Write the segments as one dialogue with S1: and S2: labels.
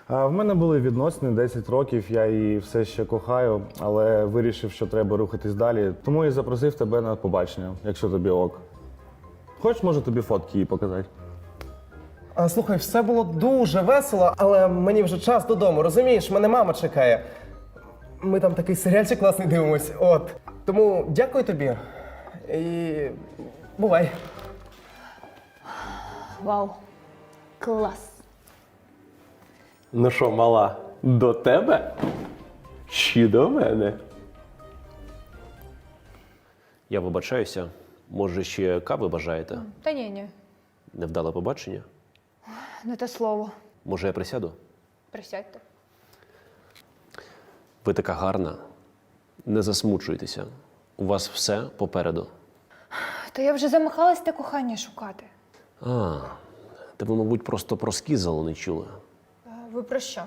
S1: В мене були відносини 10 років, я її все ще кохаю, але вирішив, що треба рухатись далі. Тому і запросив тебе на побачення, якщо тобі ок. Хочеш, можу тобі фотки її показати?
S2: Слухай, все було дуже весело, але мені вже час додому, розумієш? Мене мама чекає. Ми там такий серіальчик класний дивимось, от. Тому дякую тобі і бувай.
S3: Вау. Клас.
S4: Ну що, мала, до тебе? Чи до мене? Я вибачаюся. Може, ще кави бажаєте?
S3: Та ні.
S4: Невдале побачення?
S3: Не те слово.
S4: Може, я присяду?
S3: Присядьте.
S4: Ви така гарна. Не засмучуйтеся. У вас все попереду.
S3: То я вже замахалась те кохання шукати.
S4: Та ви, мабуть, просто про Скізл не чули.
S3: Ви про що?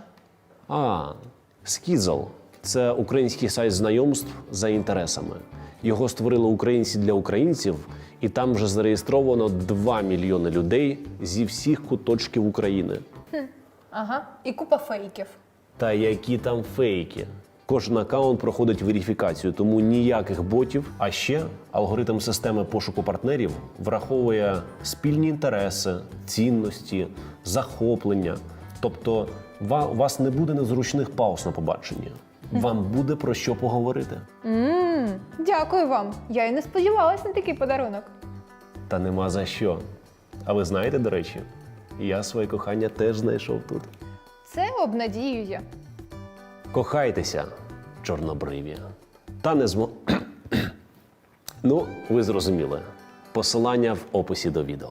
S4: Скізл – це український сайт знайомств за інтересами. Його створили українці для українців, і там вже зареєстровано 2 мільйони людей зі всіх куточків України.
S3: Ага. І купа фейків.
S4: Та які там фейки. Кожен аккаунт проходить верифікацію, тому ніяких ботів. А ще алгоритм системи пошуку партнерів враховує спільні інтереси, цінності, захоплення. Тобто у вас не буде незручних пауз на побаченні. Вам буде про що поговорити.
S3: Дякую вам. Я і не сподівалась на такий подарунок.
S4: Та нема за що. А ви знаєте, до речі, я своє кохання теж знайшов тут.
S3: Це обнадіює.
S4: Кохайтеся, чорнобриві. Та не Ну, ви зрозуміли. Посилання в описі до відео.